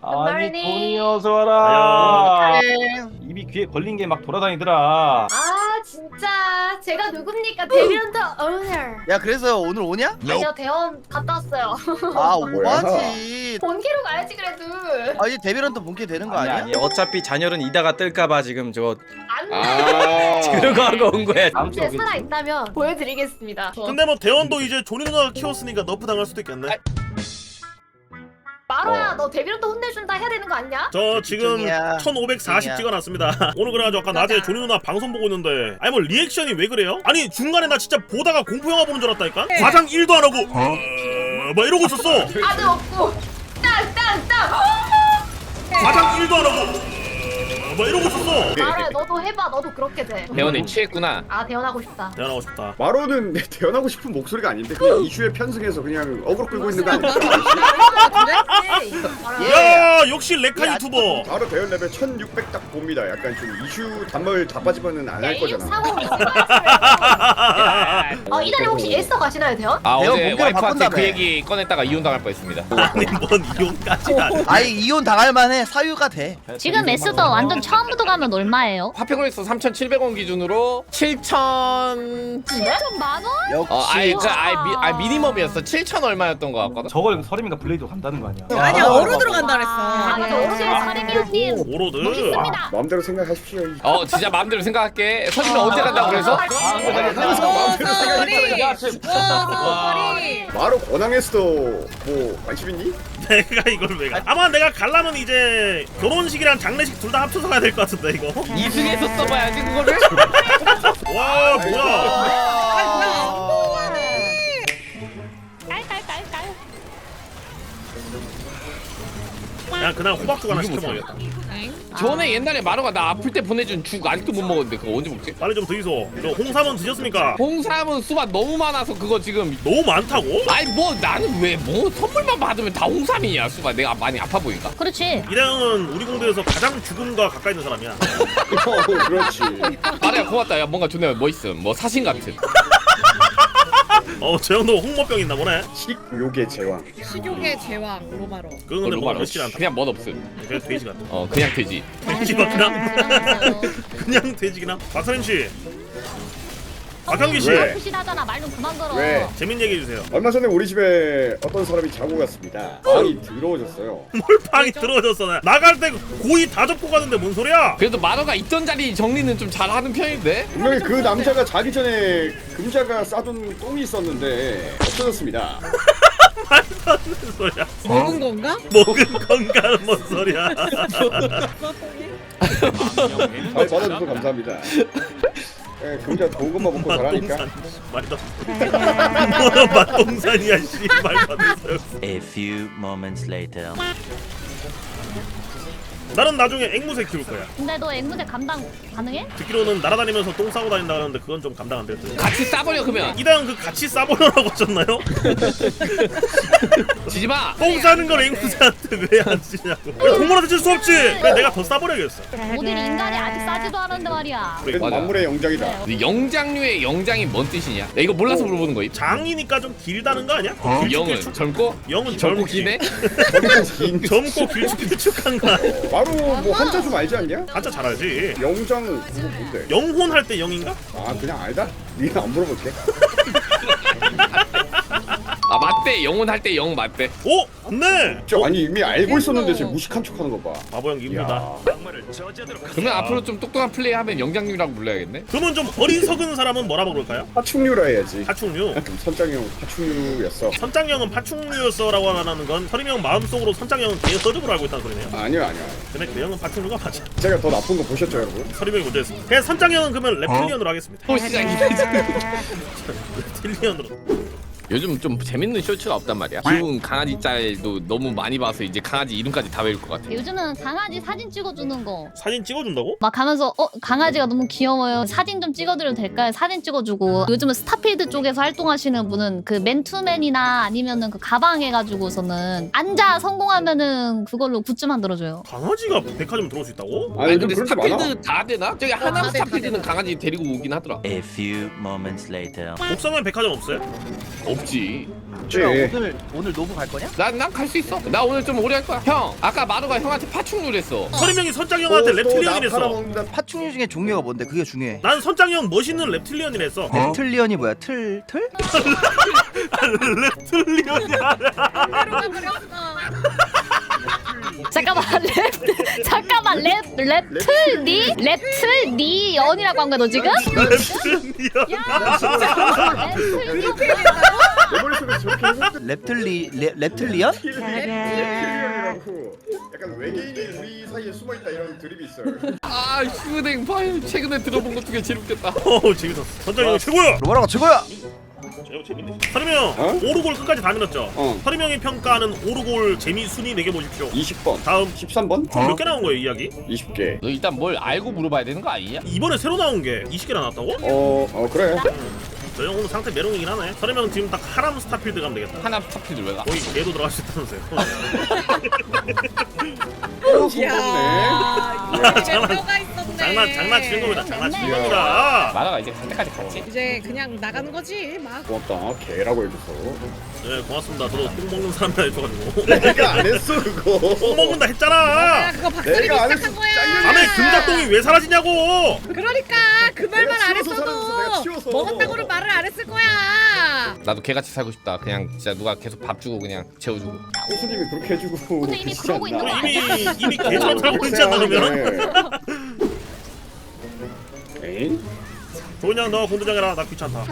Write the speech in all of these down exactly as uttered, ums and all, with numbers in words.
아니 굿모닝. 돈이 어서 와라. 네. 입이 귀에 걸린 게 막 돌아다니더라. 아 진짜 제가 누굽니까? 데뷔런터 오너. 야 그래서 오늘 오냐? 아니요 대원 갔다 왔어요. 아 뭐야? 오바지. 본캐로 가야지 그래도. 아 이제 데뷔런터 본캐 되는 거 아니 아니야? 아니 어차피 잔열은 이다가 뜰까봐 지금 저거 안 아. 들어가 하고 온 거야. 다음 주에 돼. 살아 있다면 보여드리겠습니다. 근데 뭐 대원도 이제 조니 누나가 키웠으니까 너프 당할 수도 있겠네. 마로야 어. 너 데뷔런터 혼내준다 해야 되는 거 아니야? 저 지금 집중이야. 천오백사십 집중이야. 찍어놨습니다. 오늘 그래가지고 아까 낮에 조니 누나 방송 보고 있는데 아니 뭐 리액션이 왜 그래요? 아니 중간에 나 진짜 보다가 공포영화 보는 줄 알았다니까? 과장 일도 안 하고 어? 막 이러고 있었어. 아들 없고 땅땅땅. 과장 일도 안 하고 막 이러고 있었어. 마로야 너도 해봐. 너도 그렇게 돼. 대원이 취했구나. 아 대원하고 싶다. 대원하고 싶다. 마로는 태어나고 싶은 목소리가 아닌데 그냥 이슈에 편승해서 그냥 어그로 끌고 있는 거 아니야? 야 역시 레카 유튜버. 바로 대열 레벨 천육백 딱 봅니다. 약간 좀 이슈 단말 다 빠지면은 안 할 거잖아. 사고 어 이달에 혹시 애써 가시나요 대원? 아 대원 어제 본캐로 와이프한테 바꾼다며. 그 얘기 꺼냈다가 이혼 당할 뻔했습니다. 아니 뭔 이혼까지 안. 아이 이혼 당할 만해. 사유가 돼. 지금 에스더 완전 처음부터 가면 얼마예요? 화평으로서 삼천칠백 원 기준으로 칠천. 칠천만 원? 역시. 어, 아이 그 아이 미, 아 미니멈이었어. 칠천 얼마였던 거 같거든. 저걸 서림이가 블레이드 간다는 거 아니야? 아니야 얼어 들어간다 아 그랬어. 맞아 역시 어르신 사림이 형님 오로드. 멋있습니다. 마음대로 생각하십시오. 어 진짜 마음대로 생각할게. 서진이 언제 간다고 그래서? 아, 근데 마음대로 생각해. 야, 쟤- 머리. 마로 권항에서도 뭐 관심 있니? 내가 이걸 왜 가? 아마 내가 갈라면 이제 결혼식이랑 장례식 둘 다 합쳐서 가야 될 것 같은데 이거. 이승에서 써봐야지 그거를. 와 뭐야? 깔깔깔깔. 야 그날 호박죽 하나 시켜 먹어야겠다. 전에 옛날에 마루가 나 아플 때 보내준 죽 아직도 못 먹었는데 그거 언제 먹지? 빨리 좀 드이소. 저 홍삼은 드셨습니까? 홍삼은 수박 너무 많아서 그거 지금. 너무 많다고? 아니 뭐 나는 왜 뭐 선물만 받으면 다 홍삼이냐 수박 내가 많이 아파 보인가? 그렇지. 이랑은 우리 공대에서 가장 죽음과 가까이 있는 사람이야. 어, 그렇지. 아래야 고맙다. 야 뭔가 존나 멋있음. 뭐 사신 같은. 어, 저 형도 홍모병 있나 보네. 식욕의 제왕. 식욕의 제왕 로마로. 그건 근데 뭐 로마로. 멋있지 않다. 그냥 멋 없음. 그냥 돼지 같아. 어 그냥 돼지. 돼지 같나? 그냥 돼지기나? 박사님 씨, 박형기 씨, 왜? 푸신하잖아. 말 좀 그만 걸어. 왜? 재밌는 얘기 해주세요. 얼마 전에 우리 집에 어떤 사람이 자고 갔습니다. 방이 더러워졌어요. 뭘 방이 들어졌어. 나 나갈 때 고이 다 접고 가는데 뭔 소리야? 그래도 마루가 있던 자리 정리는 좀 잘하는 편인데. 분명히 그 남자가 자기 전에 금자가 싸둔 똥이 있었는데 없어졌습니다. 말도 안 되는 소리야. 먹은 건가? 먹은 건가는 뭔 소리야? 잘 받아줘서 감사합니다. 예, 금자 좋은 것만 먹고 자라니까. 말도 뭐야 맛동산이야 씨 말도 안 되는 소리. A few moments later. 나는 나중에 앵무새 키울 거야. 근데 너 앵무새 감당 가능해? 듣기로는 날아다니면서 똥 싸고 다닌다 하는데 그건 좀 감당 안 되거든. 같이 싸버려 그러면. 이당 그 같이 싸보려고 하셨나요? 지지 마. 똥 싸는 걸 앵무새한테 왜 안 지냐고. 동물한테 줄 수 없지. 그래 내가 더 싸버려야겠어. 모델 인간이 아직 싸지도 않았는데 말이야. 그래도 맞아. 만물의 영장이다. 근데 영장류의 영장이 뭔 뜻이냐? 야, 이거 몰라서 물어보는 거임. 장이니까 좀 길다는 거 아니야? 영은 길쭉길쭉. 젊고 영은 젊고 젊지. 기네. 저리가 긴. 젊고 길쭉길쭉한 거 아니야? 바로 뭐 한자 좀 알지 않냐? 한자 잘 알지. 영장 그거 뭔데? 영혼 할 때 영인가? 아 그냥 알다? 니가 안 물어볼게. 아 맞대. 영혼 할 때 영 맞대. 오! 맞네! 저 아니 이미 알고 있었는데 지금 무식한 척하는 거 봐. 바보 형 이쁘다. 야. 그러면 앞으로 좀 똑똑한 플레이 하면 영장류라고 불러야겠네. 그러면 좀 어리석은 사람은 뭐라고 부를까요? 파충류라 해야지. 파충류. 그럼 선장형 파충류였어. 선장형은 파충류였어라고 하는 건 서림 형 마음속으로 선장형은 개 서름으로 알고 있다는 소리네요. 아니요 아니요. 근데 그 형은 파충류가 맞아. 제가 더 나쁜 거 보셨죠 여러분? 서림 형이 문제였습니다. 그냥 선장형은 그러면 랩틸리언으로 하겠습니다. 또 시작이네. 랩틸리언으로. 요즘 좀 재밌는 쇼츠가 없단 말이야. 귀여운 강아지 짤도 너무 많이 봐서 이제 강아지 이름까지 다 외울 것 같아. 요즘은 강아지 사진 찍어주는 거. 사진 찍어준다고? 막 가면서 어 강아지가 너무 귀여워요. 사진 좀 찍어드려도 될까요? 사진 찍어주고 요즘은 스타필드 쪽에서 활동하시는 분은 그 맨투맨이나 아니면은 그 가방 해가지고서는 앉아 성공하면은 그걸로 굿즈 만들어줘요. 강아지가 백화점 들어올 수 있다고? 아니 근데 근데 그렇게 많아. 스타필드 다 되나? 저기 하나 다 돼, 다 스타필드는 돼. 강아지 데리고 오긴 하더라. A few moments later. 목성면 백화점 없어요? 없어. 없지. 야, 네. 오늘 오늘 노부 갈 거냐? 난 난 갈 수 있어. 나 오늘 좀 오래 할 거야. 형, 아까 마루가 형한테 파충류랬어. 서리명이 선장형한테 랩틸리언이랬어. 팔아먹는다. 파충류 중에 종류가 뭔데? 그게 중요해. 난 선장형 멋있는 랩틸리언이랬어. 랩틀리언이 뭐야? 틀 틀? 랩틸리언이야. 그러가 버렸어. 잠깐만 랩 잠깐만 랩 랩틀니 랩틀니 연이라고 한 거야 너 지금? 랩틸리언. 야 진짜 랩틀니 내 머릿속에 저렇게 해서 랩틀리 랩, 랩틀리언? 랩틸리언이라고 약간 외계인이 우리 사이에 숨어있다 이런 드립이 있어요. 아, 휴댕 파일 최근에 들어본 것 중에 제일 웃겼다. 어 재밌었어. 선장형 최고야. 로마라가 최고야. 저 재밌네. 서리명 어? 오르골 끝까지 다 밀었죠. 어. 서리명이 평가하는 오르골 재미 순위 매겨 보십시오. 이십 번, 다음 십삼 번, 몇 개 나온 거예요 이야기? 이십 개. 너 일단 뭘 알고 물어봐야 되는 거 아니야? 이번에 새로 나온 게 이십 개나 나왔다고? 어, 어 그래. 저 형 오늘 상태 메롱이긴 하네. 서리명 지금 딱 하람 스타필드 가면 되겠다. 하나 스타필드 왜 가? 거기 걔도 들어갈 수 있다면서요. 또 이야. 손꼽네. 장난- 가 있었네. 장난 장난치는 겁니다. 장난치는 이야. 겁니다. 마라가 이제 갈 때까지 갔지? 이제 그냥 나가는 거지 막. 고맙다. 개라고 해줘서. 네 고맙습니다. 저도 똥 먹는 사람이라 해줘가지고 내가 안 했어 그거. 똥 먹는다 야 했잖아. 그거 박사님이 내가 안 시작한 했어. 거야. 밤에 금작동이 왜 사라지냐고. 그러니까 그 말만 내가 안 치워서 살았어, 내가 했어도 치워서. 먹었다고는 말을 안 했을 거야. 나도 개같이 살고 싶다. 그냥 진짜 누가 계속 밥 주고 그냥 재워주고. 호수님이 그렇게 해주고. 근데 이미 계시지 그러고 않나? 있는 거 우리 이미 이미 개처럼 살고 있지 않나 그러면? 에이? 조은양 너 공부장해라. 나 귀찮다.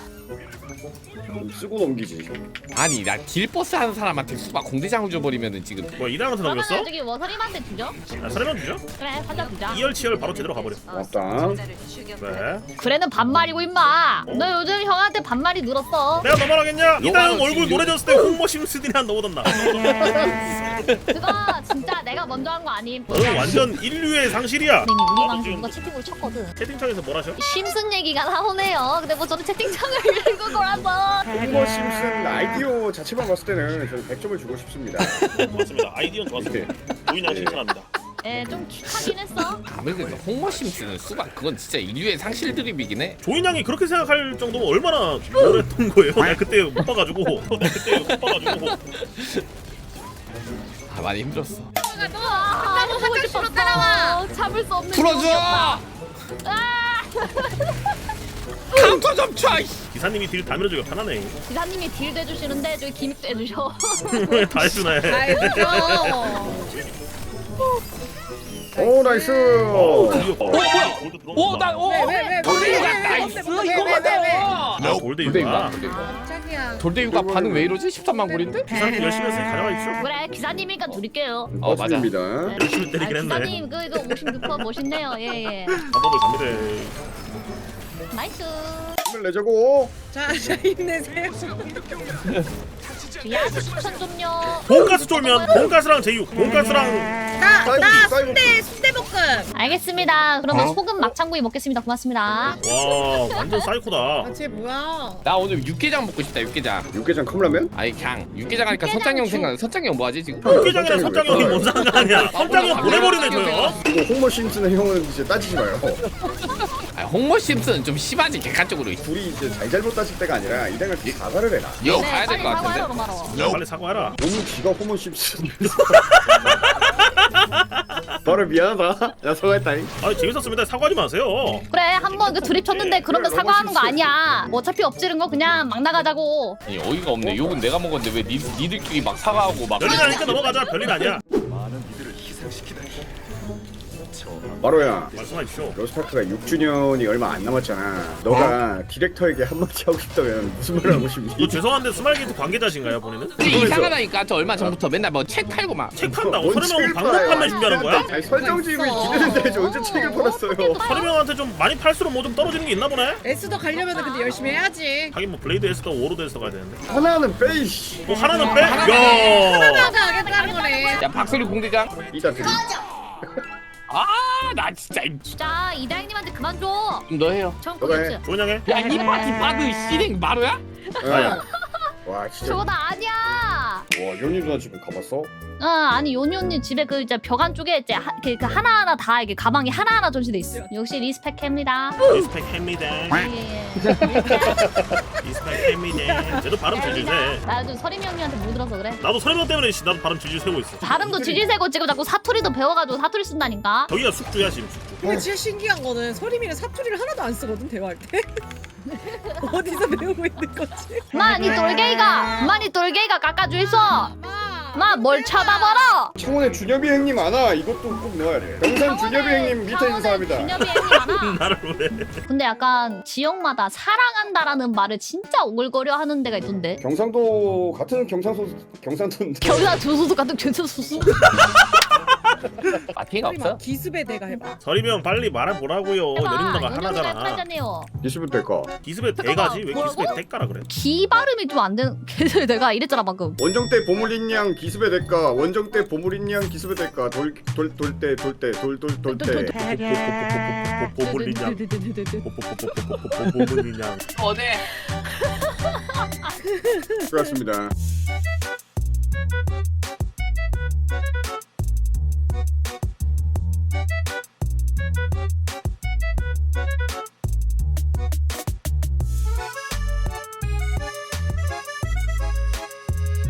좀 쓰고 넘기지. 아니 나 길버스 하는 사람한테 수박 공대장을 줘버리면은 지금 뭐 이당한테 그러면 넘겼어? 저기 워서림한테 주죠? 아, 서리명 주죠? 그래 사자 주자 이열치열 바로 제대로 가버려. 고맙다. 네. 그래는 반말이고 임마 너 요즘 형한테 반말이 늘었어 내가 너 말하겠냐? 이다영 욕하는 얼굴 지금 노래 졌을 때 홍모 심스디나 한 너보단다. 그거 진짜 내가 먼저 한 거 아님 너는 완전 인류의 상실이야. 선생님 우리 나도 방송 지금 누가 채팅으로 쳤거든 채팅창에서 뭘 하셔? 심슨 얘기가 나오네요 근데 뭐 저는 채팅창을 읽은 거라서 홍보 심슨 아이디어 자체만 봤을 때는 저는 백 점을 주고 싶습니다. 맞습니다. 아이디어는 좋았습니다. 조인양 칭찬합니다. 예좀 킥하긴 했어 아무래도 홍머심 쓰는 수박 그건 진짜 인류의 상실 드립이긴 해. 조인양이 그렇게 생각할 정도면 얼마나 오랬던 거예요? 내가 그때 못 봐가지고. 내가 그때 못 봐가지고. 아 많이 힘들었어. 아 너무 보고 싶었어 따라와 참을 수 없는 풀어줘! 기억이었다. 아 카운터 좀 쳐! 이씨. 기사님이 딜 다 밀어주기가 편하네. 기사님이 딜도 해주시는데 저기 기믹도 해주셔 다 해주네. 알죠. 오 나이스. 어 뭐야? 오, 나, 오! 왜왜왜 돌대유가 나이스! 이거거든! 나 골드이구나. 깜짝이야. 돌대유가 반응 왜 이러지? 십삼만 골인데? 기사님 열심히 했으니 가져가십시오. 그래 기사님이니까 드릴게요 어, 맞아. 맞습니다. 열심히 아, 때리긴 했네. 기사님 그 이거 오십육 퍼센트 멋있네요 예예 방법을 갑니다. 나이스 힘을 내자고. 자, 자 힘내세요. 야식 추천 좀요 돈가스 쫄면 돈가스랑 제육, 돈가스랑 나, 사이버, 나 사이버. 순대 순대볶음. 알겠습니다 그러면 소금 막창구이 먹겠습니다 고맙습니다 와 완전 사이코다. 아, 쟤 뭐야? 나 오늘 육개장 먹고 싶다, 육개장. 육개장 컵라면? 아니, 그냥 육개장 하니까 육개장 선장형 주- 생각, 선장형 뭐하지 지금? 육개장이랑 선장형이 뭔 상관이야? 선장형 보내버리네 저요. 이거 홍보 심슨의 형은 이제 따지지 마요. 아, 홍모 심슨 좀 심하지, 객관적으로. 둘이 이제 잘잘못 따질 때가 아니라 이당을 사과를 해라. 여 네, 가야 될 빨리 것 사과해라, 같은데? 로마로. 빨리 사과해라. 너무 지가 호모 심슨. 바로 미안하다. 야 사과했다잉. 아 재밌었습니다. 사과하지 마세요. 그래 한번 그 드립 쳤는데 그러면 그래, 사과하는 거 너무 아니야 뭐 어차피 엎지른 거 그냥 막 나가자고 아니, 어이가 없네. 욕은 내가 먹었는데 왜 니, 니들끼리 막 사과하고 막. 별일 아니까 넘어가자. 별일 아니야. 바로야. 말씀하십시오. 로스타크가 육 주년이 얼마 안 남았잖아. 너가 디렉터에게 한마디 하고 싶다면 무슨 말을 하고 싶니? 뭐 죄송한데 스마일게이트 관계자신가요 본인은? 근데 이상하다니까. 저 얼마 전부터 맨날 뭐 책 팔고 막. 책 판다고? 뭔 서류명은 책을 방송 팔아요? 판매 준비하는 거야? 아니 설정지음이 기대는데 저 언제 책을 팔았어요? 서류명한테 좀 많이 팔수록 뭐 좀 떨어지는 게 있나 보네? 에스더 가려면 근데 열심히 해야지. 하긴 뭐 블레이드 에스더 오로드 에스더 가야 되는데 하나는 빼이씨. 뭐 하나는 빼? 하나가 야 하겠다는 거네. 야, 박소리 공대장. 이따 드리. 아, 나 진짜. 이- 진짜 이다영님한테 그만 줘 너 해요. 전 너가 해. 고겠지 조은양해. 야, 이 파티 빠드 씨랭 마루야? 나야. 와 진짜. 저거 나 아니야 와 연희 누나 집에 가봤어? 아 아니 요니 언니 집에 그 이제 벽안 쪽에 이제 하, 그, 그 하나하나 다 이게 가방이 하나하나 전시돼 있어. 역시 리스펙합니다. 리스펙합니다. 예예. 리스펙합니다. 쟤도 발음 질질 세. 나 요즘 서림이 형님한테 못 들어서 그래. 나도 설명 때문에 씨, 나도 발음 질질 세고 있어. 발음도 지지세고 지금 자꾸 사투리도 배워가지고 사투리 쓴다니까. 저기가 숙주야 지금 숙주. 근데 진짜 신기한 거는 서림이는 사투리를 하나도 안 쓰거든 대화할 때. 어디서 배우고 있는 거지? 마니 돌게이가 마니 돌게이가 깎아줘 있어. 마 뭘 쳐다봐라. 창원에 준엽이 형님 아나 이것도 꼭 넣어야 돼. 경산 준엽이 형님 밑에 인사합니다. 준엽이 형님 알아. 나를 왜? 근데 약간 지역마다 사랑한다라는 말을 진짜 오글거려 하는 데가 있던데. 경상도 같은 경상도 경상도인데. 겨울아 조수도 같은 괜찮수수. 마팅이 없어? 서림아 기습의 대가 해봐. 서리면 빨리 말해보라고요. 연인 누나가 하나잖아. 하잖아요. 이십분 될까? 기습의 잠깐만, 대가지 왜 기습의 뭐라고? 대가라 그래? 기 발음이 좀 안 되는. 그래서 내가 이랬잖아 방금. 원정 때 보물인 양 기습의 대가 원정 때 보물인 양 기습의 대가 돌 돌 돌 때 돌 때 돌 돌 돌 때 보물리냥. 보물리냥. 어제 수고하셨습니다.